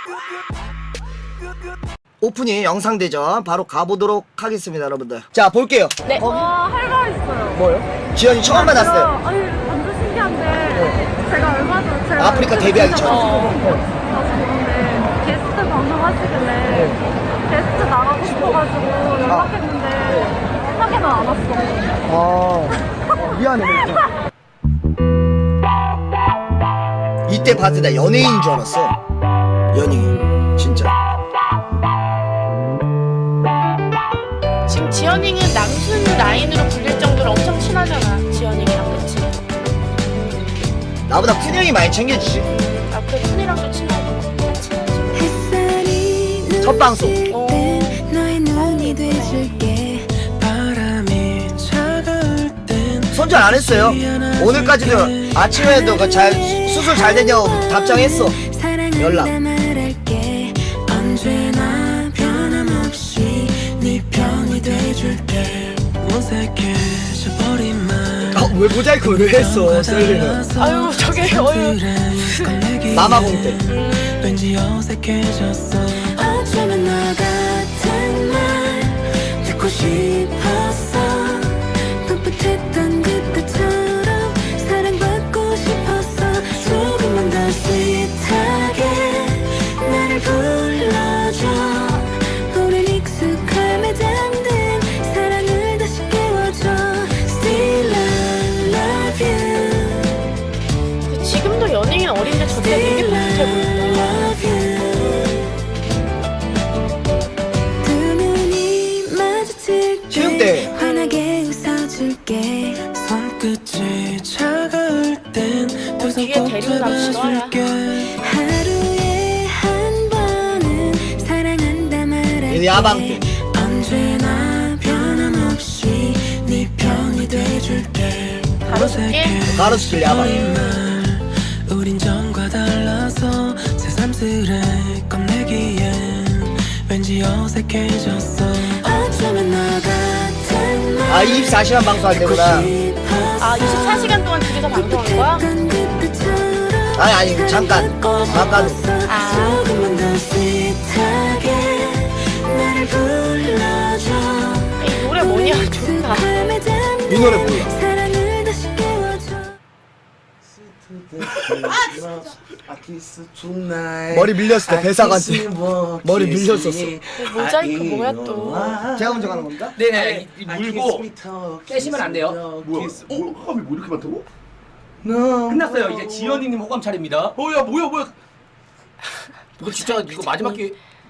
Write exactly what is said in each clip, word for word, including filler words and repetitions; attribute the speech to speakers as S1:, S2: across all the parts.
S1: 오프닝 영상 대전 바로 가보도록 하겠습니다, 여러분들. 자, 볼게요.
S2: 네.
S1: 어,
S3: 와, 할 말 있어요.
S1: 뭐요? 지연이 처음 만났어요.
S3: 아니, 완전 신기한데, 제가 얼마 전에 제가
S1: 아프리카 데뷔하기 전에.
S3: 어. 그런데 게스트 방송 하시길래 게스트 나가고 싶어가지고 연락했는데 연락이 안 왔어.
S1: 아, 미안해. 이때 봤을 때 나 연예인인 줄 알았어. 연예인, 진짜.
S2: 지금 지연이는 남순 라인으로 불릴 정도로 엄청 친하잖아. 지연이랑 그치?
S1: 나보다 큰 형이 많이 챙겨주지.
S2: 아 그래 쿤이랑도 친하고 친하지.
S1: 첫 방송.
S2: 어.
S1: 손절 안 했어요. 오늘까지도 아침에도 그 잘 수술 잘 됐냐고 답장했어. 연락. 아, 왜 모자이크 왜 했어, 셀리는?
S2: 아유 저게 어유.
S1: 마마공 때.
S4: 왠지 어색해졌어. 어쩌면 너 같은 말 듣고 싶었어. 풋풋했던 그때처럼 사랑받고 싶었어. 조금만 더 스윗하게 나를 불러줘. 우린 익숙함에 잠든 사랑을 다시 깨워줘. Still I love you.
S2: 지금도 연예인 어린데 저때 되게 풋풋해 보인다.
S1: 체육 때.
S4: 환하게 웃어줄게. 손끝이 차가울 땐두 손
S2: 뒤에
S4: 꼭
S2: 데리고
S4: 잡아줄게. 하루에 한 번은 사랑한다 말할게.
S1: 야방 때.
S4: 언제나 변함없이 네 편이 돼줄게.
S2: 가로수길?
S1: 가로수길 야방.
S4: 우린 전과 달라서 새삼스레 겁내기엔 왠지 어색해졌어. 어쩌면 너 같은 말
S1: 아, 이십사 시간 방송할 때구나.
S2: 아 이십사 시간 동안 둘이서 방송한 거야?
S1: 아니, 아니, 잠깐. 잠깐.
S2: 아.
S4: 조금만 더 스윗하게 나를 불러줘.
S2: 이 노래 뭐냐 좋다.
S1: 이 노래 몰라.
S4: 사랑을 다시 깨워줘.
S1: 머리 밀렸을 때 배사관한테 머리 밀렸었어.
S2: 모자이크 뭐야 또?
S1: 제가 먼저 가는 겁니다.
S5: 네네 이- 물고 깨시면 안 돼요.
S6: 뭐야? 어? 호감이 뭐 이렇게 많다고?
S5: 끝났어요. 이제 지연이님 호감 차례입니다.
S6: 어야 뭐야 뭐야?
S5: 이거 진짜 이거 마지막 기회.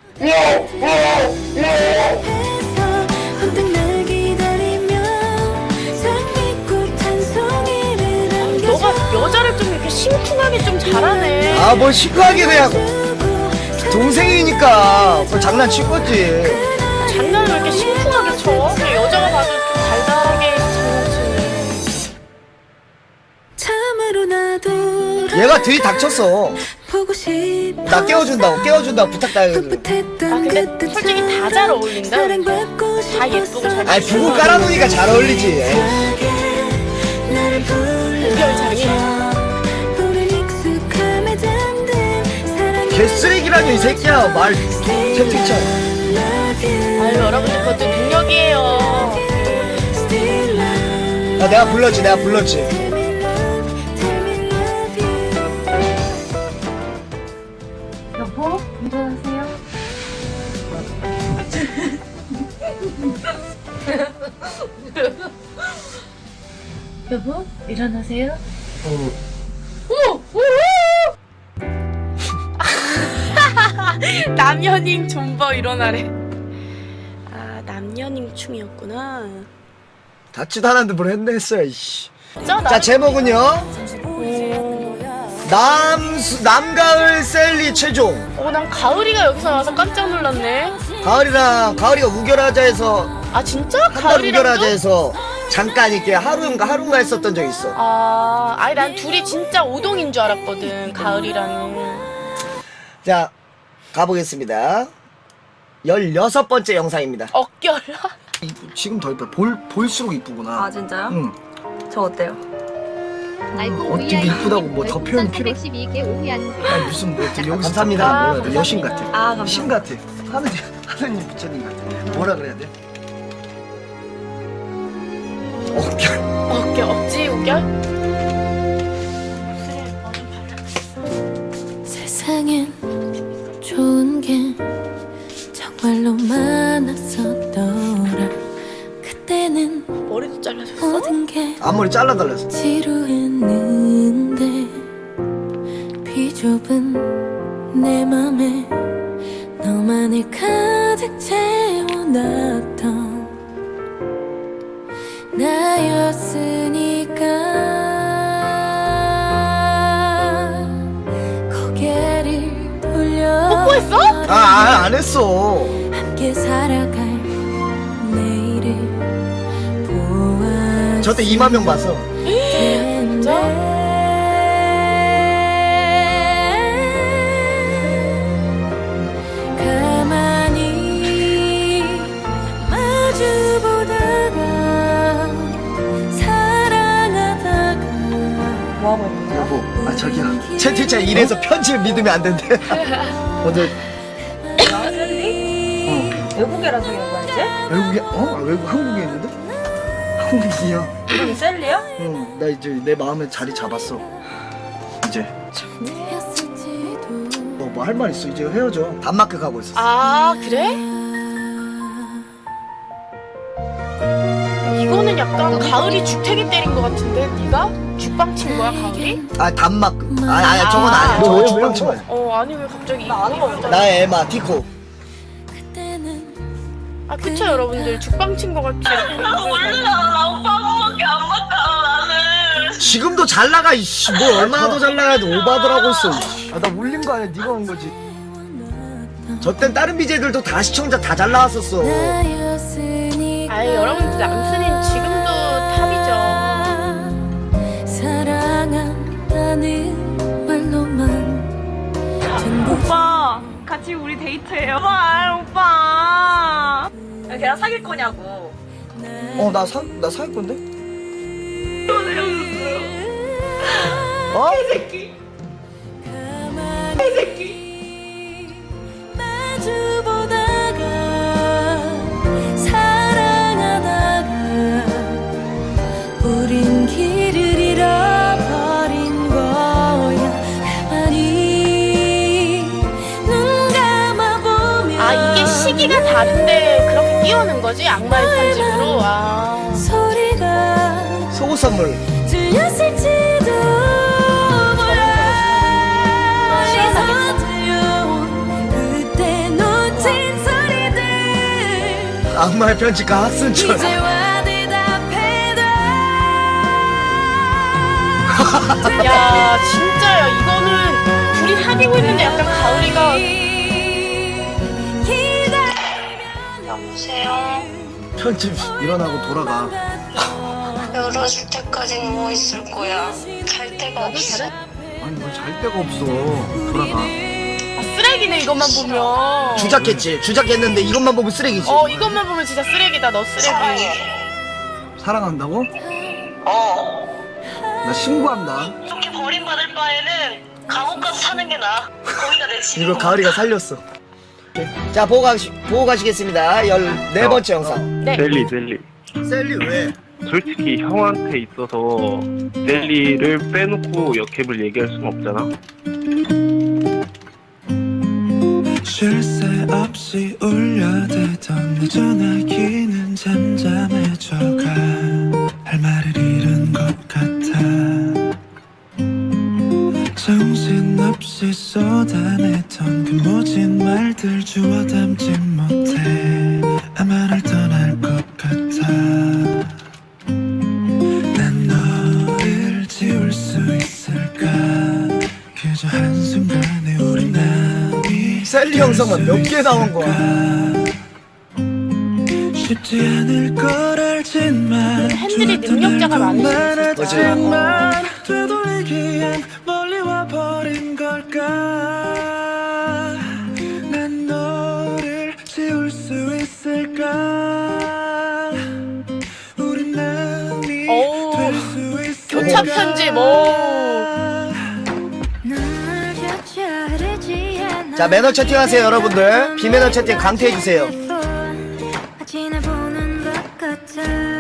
S4: 언뜻 날 기다리며 장미꽃 한 송이를 안겨줘.
S2: 너가 여자를 좀 이렇게 심쿵하게 좀 잘하네.
S1: 아, 뭘 시크하게 그냥. 동생이니까 뭐 장난친 거지.
S2: 장난을 왜 이렇게 심쿵하게 쳐? 그냥 여자가 봐도 좀 달달하게 장난치네.
S4: 참으로 나도
S1: 얘가 들이 닥쳤어.
S4: 보고 싶어.
S1: 나 깨워준다고, 깨워준다고 부탁당해가지고.
S2: 아 근데 솔직히 다 잘 어울린다. 다 예쁘고 잘.
S1: 아니, 부부 깔아놓으니까 잘 어울리지.
S2: 우결장이.
S1: 개쓰레기라뇨, 이 새끼야. 말 채팅창.
S2: 아유 여러분들 그것도 능력이에요.
S1: 야, 내가 불렀지, 내가 불렀지.
S3: 여보, 일어나세요. 여보, 일어나세요.
S2: 남연잉 존버 일어나래. 아 남연잉 춤이었구나.
S1: 닿지도 않았는데 뭘 했네 했어요, 이씨.
S2: 자,
S1: 자, 제목은요. 남, 남가을 셀리 최종.
S2: 어, 난 가을이가 여기서 나와서 깜짝 놀랐네.
S1: 가을이랑, 가을이가 우결하자에서,
S2: 아 진짜?
S1: 한 달
S2: 가을이랑도?
S1: 우결하자에서 잠깐 이렇게 하루인가 하루인가 했었던 적이 있어.
S2: 아, 아니 난 둘이 진짜 오동인 줄 알았거든. 가을이랑은.
S1: 자, 가보겠습니다. 열여섯 번째 영상입니다.
S2: 어깨라.
S1: 이쁘, 지금 더 이뻐. 볼, 볼수록 이쁘구나.
S3: 아, 진짜요?
S1: 응.
S3: 저 어때요?
S1: 어떻게 이쁘다고 뭐 더 표현이 필요해? 아니 무슨 뭐 어떻게 여기서 감사합니다. 뭐라 해야 돼? 여신 같아.
S2: 아, 감사합니다.
S1: 신 같아. 하느님 하느님 부처님 같아. 뭐라 그래야 돼? 어깨.
S2: 어깨 억지 우결?
S4: 세상엔 좋은 게 정말로 많았었더라. 그때는
S2: 머리도 잘라줬어?
S4: 모든 게
S1: 앞머리 잘라달라서.
S4: 지루했는데 비좁은 내 맘에 너만을 가득 채워놨던 나였으니까 고개를 돌려
S2: 뽀뽀했어?
S1: 아, 아, 안 했어.
S4: 함께 살아갈 내일을 보아
S1: 저 때 이만 명 봤어.
S2: 진짜?
S4: 가만히 마주보다가 사랑하다가
S3: 뭐하고 있는 거야?
S1: 여보, 아 저기야. 채팅창 이래서 편집을 믿으면 안 된대. 오늘
S3: 외국에라 적인 거야 이제?
S1: 외국에 어? 아, 외국 한국에 있는데? 한국이야.
S3: 이름이 셀리야?
S1: 응, 나 이제 내 마음에 자리 잡았어. 이제 너 뭐 할 말 있어? 이제 헤어져. 단마크 가고 있어.
S2: 아 그래? 이거는 약간 가을이 죽태기 때린 것 같은데 네가? 죽방 친 거야 가을이?
S1: 아 단마크. 아, 아니 저건 아니야.
S2: 아,
S1: 저건
S2: 왜,
S1: 주방 친 거야.
S2: 어 아니 왜 갑자기
S3: 나 아는 거 없잖아.
S1: 나의 에마 티코.
S2: 아 그쵸 여러분들 죽방 친 거 같지?
S1: 지금도 잘 나가 이씨. 뭐 얼마나 더 잘 나가야 돼. 오바더라고 있어. 아, 나 울린 거 아니야. 네가 온 거지. 저 땐 다른 비제들도 다 시청자 다 잘 나왔었어.
S2: 아이 여러분들 남순인 지금도 탑이죠.
S4: 사랑한다는 말로만 전부
S3: 오빠 같이 우리 데이트해요. 오빠 오빠. 걔랑 사귈 거냐고.
S1: 어, 나 사, 나 살 건데? 어?
S4: 마주보다가 사랑하다가 우린 길을 잃어버린 거야. 가만히 눈 감아보면
S2: 아 이게 시기가 다른데 그렇게 띄우는 거지? 악마의 편집으로? 아
S4: 소리가
S1: 속옷 선물.
S4: 들렸을지도 몰라. 어디서 들려온 그때 놓친 소리들
S1: 악마의 편집가 학순철.
S4: 이제와 대답해도
S2: 야 진짜야 이거는 둘이 사귀고 있는데 약간 가을이가
S7: 여보세요?
S1: 편집 일어나고 돌아가.
S7: 열어줄 때까지는 뭐 있을 거야? 갈 데가 없어.
S1: 아니 뭐 잘 데가 없어. 돌아가.
S2: 아, 쓰레기네 이것만 보면.
S1: 주작했지. 주작했는데 이것만 보면 쓰레기지.
S2: 어 이것만 보면 진짜 쓰레기다 너 쓰레기.
S7: 사랑해.
S1: 사랑한다고?
S7: 어.
S1: 나 신고한다.
S7: 이렇게 버림받을 바에는 감옥 가서 사는 게 나아. 거기가 내 집인
S1: 이거
S7: 것
S1: 가을이가 살렸어. 자 보고, 가시, 보고 가시겠습니다. 열네 번째 영상.
S2: 네.
S8: 셀리 셀리
S1: 셀리 왜?
S8: 솔직히 형한테 있어서 셀리를 빼놓고 역캠을 얘기할 순 없잖아.
S9: 쉴 새 없이 울려대던 내 전화기는 잠잠해져가 할 말을 잃은 것 같아. 정신없이 쏟아내던 그 모진 말들 주워 담지 못해 아마 날 떠날 것 같아. 난 너를 지울 수 있을까. 그저 한순간에 우리 남이
S1: 셀리 영상만 몇 개 나온 거야.
S9: 쉽지 않을 걸 알지만
S2: 팬들이 능력자가 많으시지.
S1: 맞아.
S9: 되돌리기엔 멀리 와버린 걸까. 난 너를 지울 수 있을까. 우린 남이
S2: 어우,
S9: 될 수 있을까.
S2: 교체 첫 편지 뭐.
S1: 자, 매너 채팅하세요 여러분들. 비매너 채팅 강퇴해주세요.
S4: 지나보는 것 같아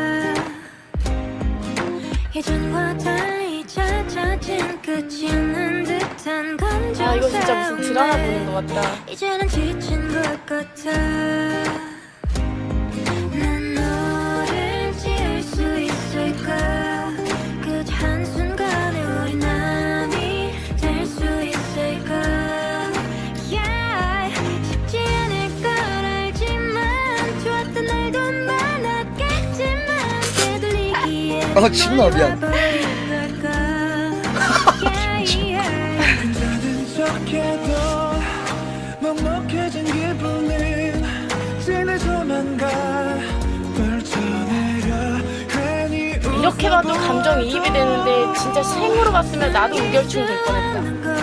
S4: 예전과 달리 잦아진 끝이 없는 듯한 감정
S2: 아 이거 진짜 무슨 드라마 보는 것 같다.
S4: 이제는 지친 것 같아 난 너를 지울 수 있을까 그 한순간에 우리 남이 될 수 있을까 yeah. 쉽지 않을 걸 알지만 좋았던 날도 많았겠지만 되돌리기에
S1: 어, 침나, 미안.
S9: 괜찮은 척해도 먹먹해진 기분은 진해져만 가 펼쳐내려 괜히
S2: 이렇게 봐도 감정이입이 되는데 진짜 생으로 봤으면 나도 우결충 될 뻔했다.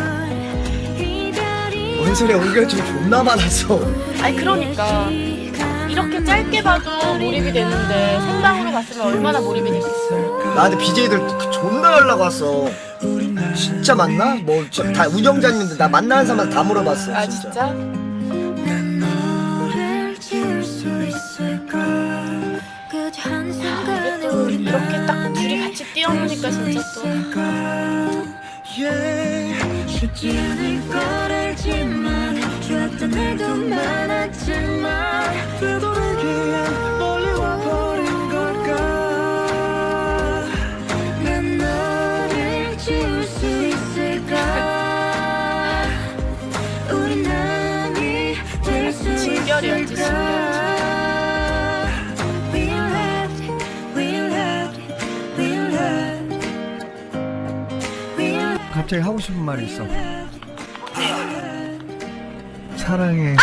S1: 뭔 소리야, 우결충 존나 많았어.
S2: 아니 그러니까 이렇게 짧게 봐도 몰입이 되는데 생방으로 봤으면 얼마나 몰입이 됐겠어.
S1: 나한테 비제이들 존나 연락 왔어. 진짜 맞나? 뭐 다 운영자님인데 나 만나는 사람 다 물어봤어.
S2: 아
S1: 진짜.
S2: 진짜?
S4: 난 너를 지울 수 있을까 그 한순간에 우리
S2: 이렇게 딱 둘이 같이 뛰어노니까 진짜 또
S9: yeah.
S4: 쉽지 않을 걸 알지만 좋았던 날도 많았지만
S9: 되돌리기엔 멀리 와버린 걸까
S4: 난 너를 지울 수 있을까 우리 남이 될 수
S2: 진결이었지,
S4: 있을까 We loved, we loved, we loved, we loved.
S1: 갑자기 하고 싶은 말이 있어. 사랑해.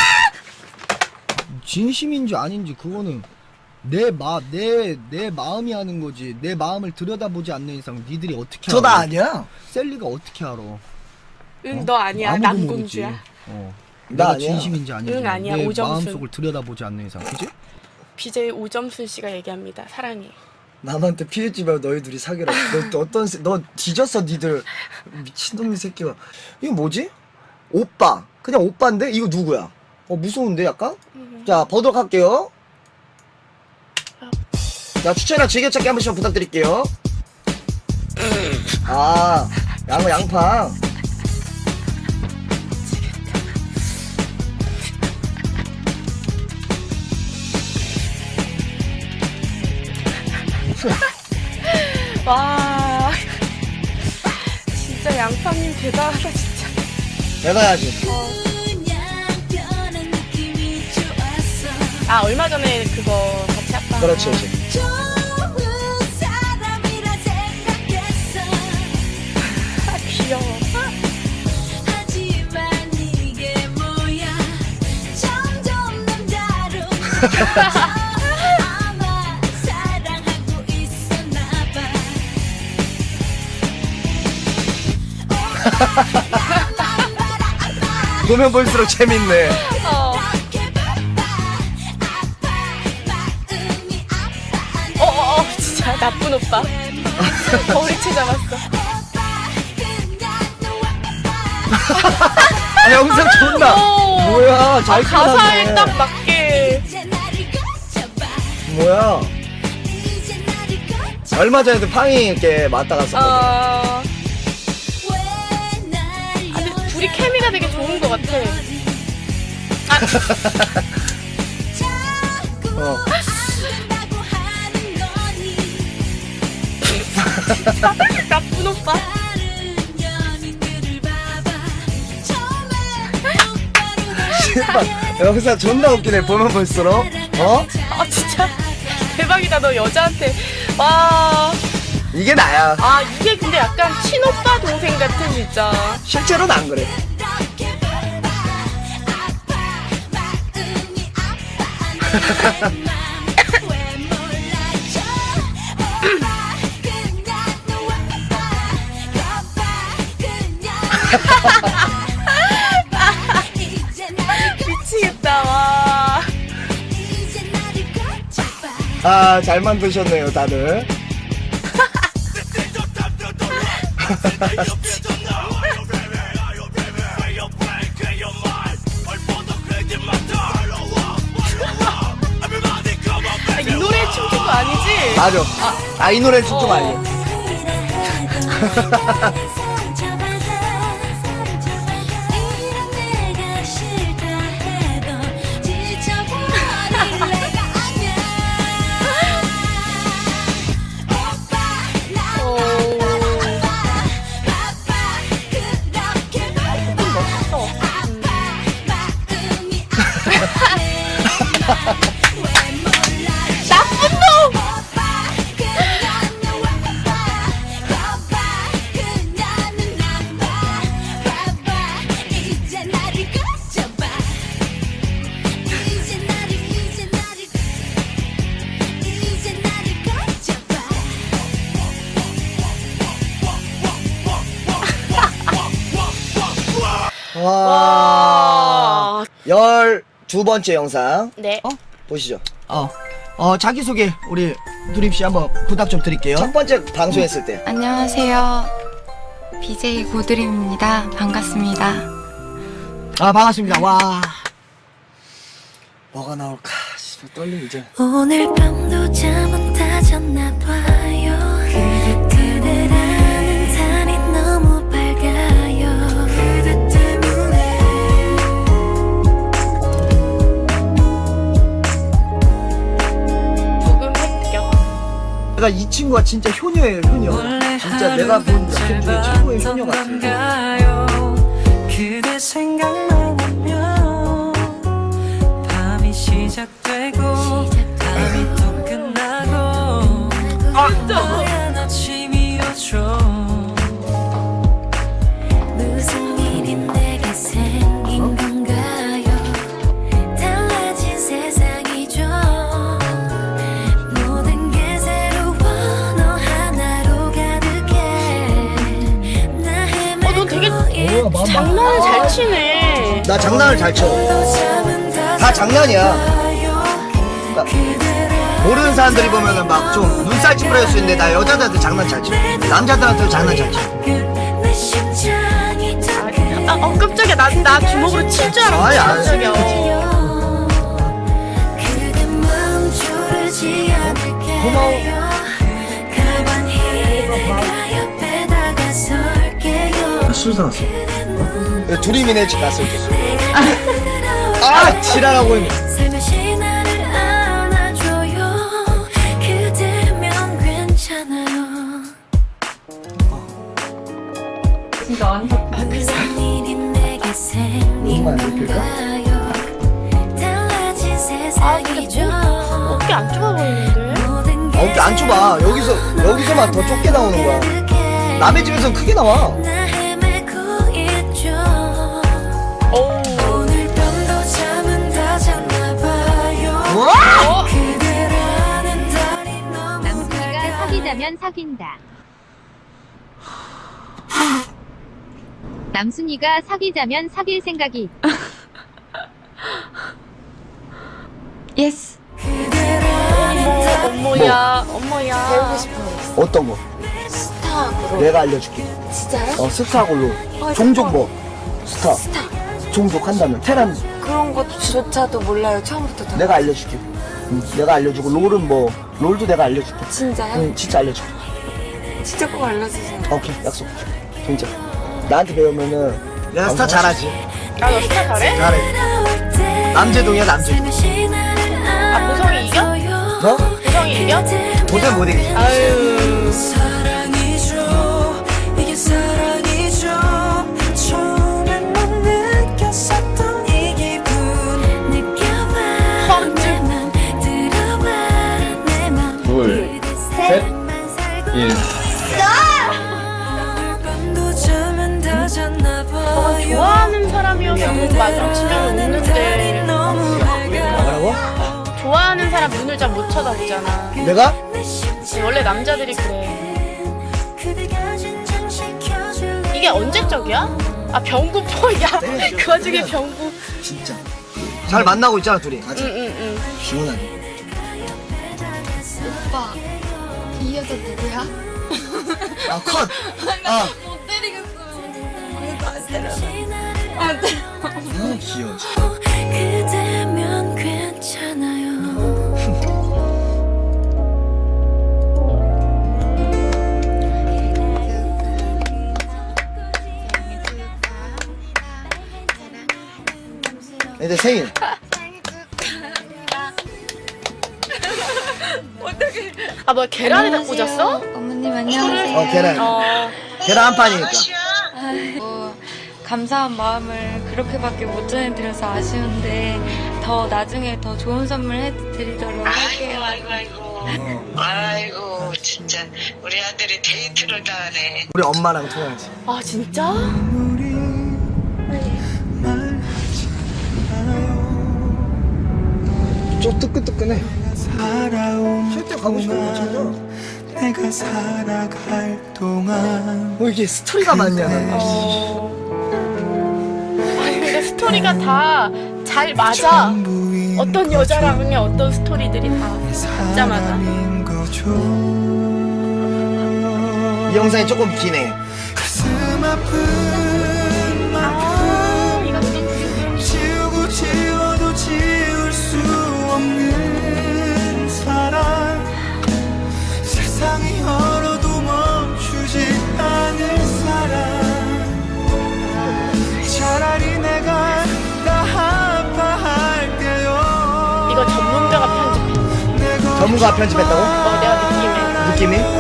S1: 진심인지 아닌지 그거는 내 마, 내, 내 마음이 하는 거지. 내 마음을 들여다보지 않는 이상 니들이 어떻게 알아?
S6: 저나 아니야.
S1: 셀리가 어떻게 알아?
S2: 응 너 아니야.
S1: 아무도
S2: 남공주야.
S1: 모르지. 어.
S6: 나
S1: 내가
S6: 아니야.
S1: 진심인지 아닌지
S2: 응, 아니야.
S1: 내
S2: 오점순.
S1: 마음속을 들여다보지 않는 이상, 그지?
S2: 비제이 오점순 씨가 얘기합니다. 사랑해.
S1: 남한테 피해지 말고 너희 둘이 사귀라. 너, 너 어떤 새- 너 뒤졌어 니들. 미친놈이 새끼가. 이거 뭐지? 오빠. 그냥 오빠인데 이거 누구야? 어 무서운데 약간? 자 보도록 할게요. 자 추천이나 즐겨찾기 한 번씩만 부탁드릴게요. 아 양어 양팡.
S2: 와 진짜 양파님 대단하다 진짜.
S1: 대단하지.
S4: 그냥 느낌이 좋았어
S2: 아 얼마 전에 그거 같이 했다.
S1: 그렇지 그렇지.
S4: 좋은 사람이라 생각했어
S2: 아, 귀여워.
S4: 하지만 이게 뭐야 점점 남다른 아마 사랑하고 있었나봐
S1: 보면 볼수록 재밌네.
S2: 어. 어어어 진짜 나쁜 오빠. 머리채 잡았어.
S1: 아 영상 존나.
S2: 오.
S1: 뭐야 잘
S2: 아, 가사에
S1: 끝났네.
S2: 딱 맞게.
S1: 뭐야. 얼마 전에도 팡이 이렇게 맞다 갔었거든.
S2: 어. 아, 근데 둘이 케미가 되게 좋은 것 같아. 아,
S1: 어.
S2: 나쁜 오빠.
S1: 씨발 영상 존나 웃기네 보면 볼수록. 어?
S2: 아 진짜 대박이다. 너 여자한테 와.
S1: 이게 나야.
S2: 아 이게 근데 약간 친오빠 동생 같은 진짜.
S1: 실제로는 안 그래.
S2: 미치겠다 와.
S1: 아 잘 만드셨네요 다들.
S2: 아, 이 노래에 춤춘 거 아니지?
S1: 맞아. 아, 이 노래 춤좀
S2: 어.
S1: 알려.
S4: 이런 내가 싫다 해도 지쳐버릴 내가 아니야. 오빠 나
S2: 오.
S4: 바빠 그렇게 바빠 마음이 왜 몰라
S2: 나쁜 놈!
S4: 오빠 그녀는 바빠 바빠 그녀는 나빠 바빠 이제 나를 거쳐봐 이제 나를 이제 나를 이제 나를 거쳐봐.
S1: 와.
S2: 와.
S1: 열두 번째 영상.
S2: 네.
S1: 어? 보시죠. 어. 어, 자기소개 우리 두립씨 한번 부탁 좀 드릴게요. 첫 번째 방송했을 때.
S10: 안녕하세요. 비제이 고드림입니다. 반갑습니다.
S1: 아, 반갑습니다. 와. 뭐가 나올까? 씨발, 떨림 이제.
S4: 오늘 밤도 잠은 다 잤나 봐요. 그대라는 달이 너무 밝아요. 그대 때문에
S2: 부금 획득.
S1: 그러니까 이 친구가 진짜 효녀예요, 효녀. 진짜 내가 본 여캠 중에 최고의 효녀 같아요.
S9: 그대 생각만 하면 밤이 시작되고 밤이 또 끝나고 하얀 아침이 오죠.
S4: 무슨 일이 내게 생긴 건가요? 달라진 세상이죠. 모든 게 새로워 너 하나로 가득해. 나
S2: 어, 너 되게
S1: 뭐야, 마마.
S2: 장난을 잘 치네.
S1: 나 장난을 잘 쳐. 다 장난이야. 그러니까 모르는 사람들이 보면은 막 좀 눈살 찌푸려질 수 있는데 나 여자들한테 장난 잘 쳐. 남자들한테도 장난 잘 쳐.
S4: 내 심장이
S2: 아, 어, 깜짝이야. 나, 나 주먹으로 칠 줄 알았어.
S1: 아니, 아니.
S2: 깜짝이야. 어.
S4: 그대 마음 졸지 않을게요. 가만히 내가 옆에 다가설게요.
S1: 술 사놨어. 두리미네 집 갔을 때. 아, 지랄하고 있네.
S4: 살며시 나를 안아줘요. 그대면 괜찮아요.
S3: 진짜 완전
S4: 무슨 일이 내게 생긴 건가요? 달라진 세상이죠.
S2: 어깨 안 좁아 보이는데?
S4: 모든 게
S1: 아, 어깨 안 좁아. 여기서, 여기서만 더 좁게 나오는 거야.
S4: 가득해.
S1: 남의 집에서는 크게 나와.
S4: 나 헤매고 있죠.
S2: 어우.
S4: 오늘 밤도 잠은 다 잤나 봐요.
S1: 와!
S4: 그대라는 달이 너무
S10: 남순이가
S4: 밝아요.
S10: 사귀자면 사귄다. 남순이가 사귀자면 사귈 생각이 있다. 예스.
S4: 그대라는
S2: 어머, 어머야, 어머야. 배우고 싶어.
S1: 어떤 거?
S2: 스타로.
S1: 내가 알려줄게.
S2: 진짜요?
S1: 어, 스타골로. 종족 뭐? 스타. 종족 한다면. 테란.
S10: 그런 것조차도 몰라요. 처음부터 다.
S1: 내가 알려줄게. 응, 내가 알려주고, 롤은 뭐, 롤도 내가 알려줄게.
S10: 진짜요?
S1: 응, 진짜 알려줄게.
S10: 진짜 꼭 알려주세요.
S1: 오케이, 약속. 진짜. 나한테 배우면은. 내가 스타 잘하지.
S2: 아, 너 스타 잘해?
S1: 잘해. 남재동이야, 남재동.
S2: 아, 보성이 이겨?
S1: 너?
S2: 보성이 이겨?
S1: 도저히 못 이기지.
S2: 아유.
S9: 사랑이죠. 이게 사랑이죠. 처음엔 못 느꼈었던 이 기분.
S4: 느껴봐 내 맘 들어봐 내 맘
S5: 둘, 셋, 일.
S9: 밤도 잠은 다 잤나 봐요.
S2: 좋아하는 사람이었으면 맞아. 집에 없는데.
S9: 너무 밝아.
S1: 뭐라고?
S2: 좋아하는 사람 눈을 잘 못 쳐다보잖아.
S1: 내가?
S2: 원래 남자들이 그래. 이게 언제적이야? 아, 병구 야. 그 와중에 병구.
S1: 진짜. 잘 만나고 있잖아, 둘이. 가자.
S2: 응응응.
S1: 시원하게.
S10: 오빠, 이 여자 누구야?
S1: 아 컷. 아.
S10: 못 때리겠어요. 그래도 안 때려. 안 때려.
S1: 아 귀여워. 진짜.
S4: 그대면 괜찮아요.
S1: 이제 생일.
S2: 아 뭐 계란에다 꽂았어?
S10: 어머님 안녕하세요.
S1: 어 계란.
S2: 어.
S1: 계란 한 판이니까.
S10: 아이고, 감사한 마음을 그렇게밖에 못 전해드려서 아쉬운데 더 나중에 더 좋은 선물 해드리도록 할게요.
S7: 아이고 아이고 아이고 진짜 우리 아들이 데이트를 다 하네.
S1: 우리 엄마랑 통화하지.
S2: 아 진짜?
S1: 좀 뜨끈뜨끈해. 실제 가고 싶은 거 찾아.
S9: 내가 살아갈 동안
S1: 뭐 이게 스토리가 많냐.
S2: 어. 아니 근데 스토리가 다 잘 맞아. 어떤 여자랑의 어떤 스토리들이 다 진짜 맞아.
S1: 이 영상이 조금 기네.
S9: 가슴 아픈 만큼
S2: 이거 좀
S9: 지우고 지워도 지울 수 없는 사랑 세상이 얼어도 멈추지 않을 사랑 차라리 내가 다 아파할게요.
S2: 이거 전문가가 편집해.
S1: 전문가 편집했다고?
S2: 어 내가 느낌에.
S1: 느낌이?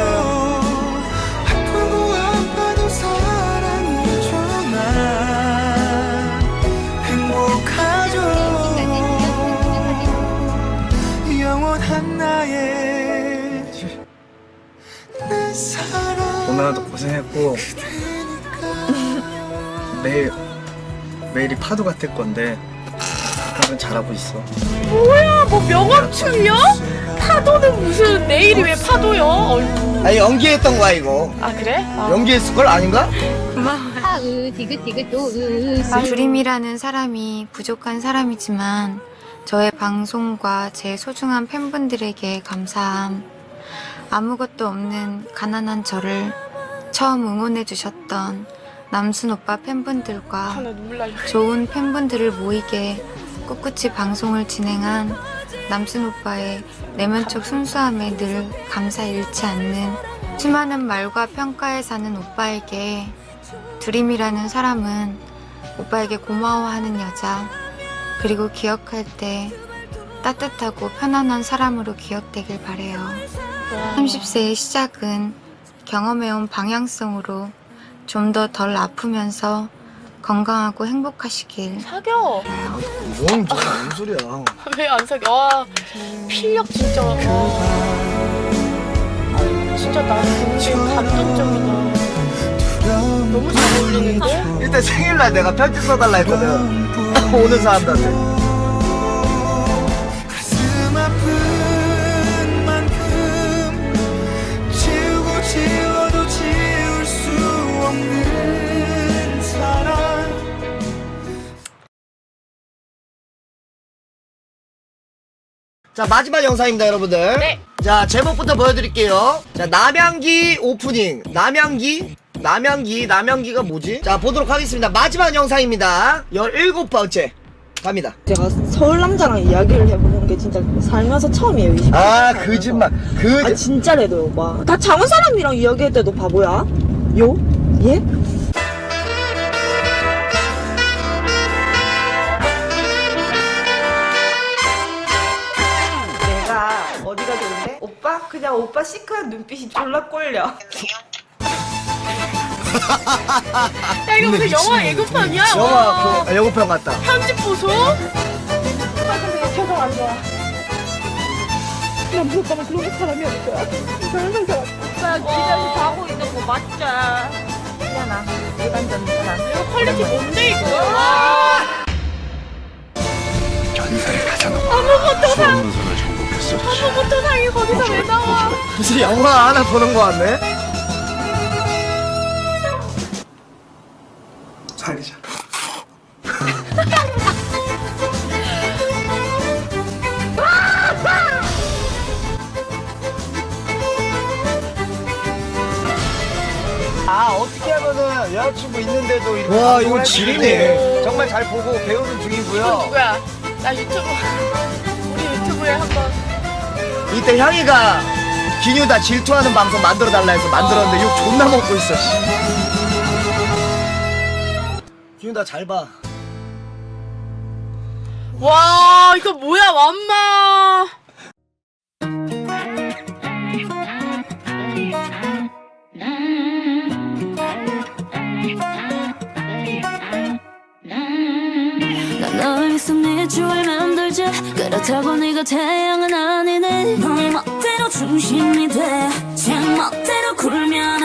S9: 아프고 아파도 사랑해줘 난 행복하죠. 영원한 나의 내 사랑.
S1: 오늘도 고생했고 매일 매일이 파도 같을 건데 항상 잘하고 있어.
S2: 뭐야 뭐 명함춤이야? 파도는 무슨 내일이 왜 파도요? 어이구.
S1: 아니 연기했던 거야 이거.
S2: 아 그래? 아.
S1: 연기했을 걸 아닌가?
S10: 하으 디귿디귿 도으. 두림이라는 사람이 부족한 사람이지만 저의 방송과 제 소중한 팬분들에게 감사함. 아무것도 없는 가난한 저를 처음 응원해 주셨던 남순 오빠 팬분들과
S2: 아, 나 눈물 날려.
S10: 좋은 팬분들을 모이게 꿋꿋이 방송을 진행한 남순 오빠의 내면적 순수함에 늘 감사 잃지 않는 수많은 말과 평가에 사는 오빠에게 두림이라는 사람은 오빠에게 고마워하는 여자, 그리고 기억할 때 따뜻하고 편안한 사람으로 기억되길 바래요. 삼십 세의 시작은 경험해온 방향성으로 좀 더 덜 아프면서 건강하고 행복하시길.
S2: 사겨.
S1: 뭔, 뭔 소리야.
S2: 왜 안 사겨? 와 필력 진짜. 와. 아, 진짜 나 근데 감동적이다. 너무 잘 어울리는데?
S1: 일단 생일날 내가 편지 써달라 했거든. 오는 사람들한테.
S9: 가슴 아픈 만큼 지우고 지워도 지울 수 없는 사랑.
S1: 자 마지막 영상입니다 여러분들.
S2: 네.
S1: 자 제목부터 보여드릴게요. 자 남양기 오프닝. 남양기? 남양기 남양기가 뭐지? 자 보도록 하겠습니다. 마지막 영상입니다. 열일곱 번째 갑니다.
S3: 제가 서울 남자랑 이야기를 해보는 게 진짜 살면서 처음이에요. 이십 대.
S1: 아 거짓말. 그
S3: 아 진짜래도 오빠. 다 장원 사람이랑 이야기할 때도 바보야? 요? 예? 내가 어디가 좋은데? 오빠? 그냥 오빠 시크한 눈빛이 졸라 꼴려.
S2: 야 이거 무슨 영화 예고편이야?
S1: 영화
S2: 와.
S1: 그 아, 예고편 같다.
S2: 편집 보소?
S3: 아 근데 표정 안 좋아. 난 오빠가 그런 사람이 아닐 거야. 이상한 사람. 오빠 집에서 자고 있는 거 맞자. 미안하. 일반적인 사람.
S2: 이거 퀄리티 뭔데 이거? 와.
S6: 전설의 가장
S2: 아무것도 상
S6: 문서를 정복했었지.
S2: 아무것도 상이 거기서 왜 나와?
S1: 무슨 영화 하나 보는 거 같네.
S6: 살리자.
S1: 여자친구 있는데도 이렇게 와 이거 지리네. 정말 잘 보고 배우는 중이고요.
S2: 이건 누구야? 나 유튜브 우리 유튜브에 한번
S1: 이때 향이가 기뉴다 질투하는 방송 만들어 달라 해서 만들었는데 욕 존나 먹고 있어. 씨. 기뉴다 잘 봐.
S2: 와 이거 뭐야 완마.
S4: 난 너를 위해서 네 주를 만들지 그렇다고 네가 태양은 아니네 너의 멋대로 중심이 돼제 멋대로 굴면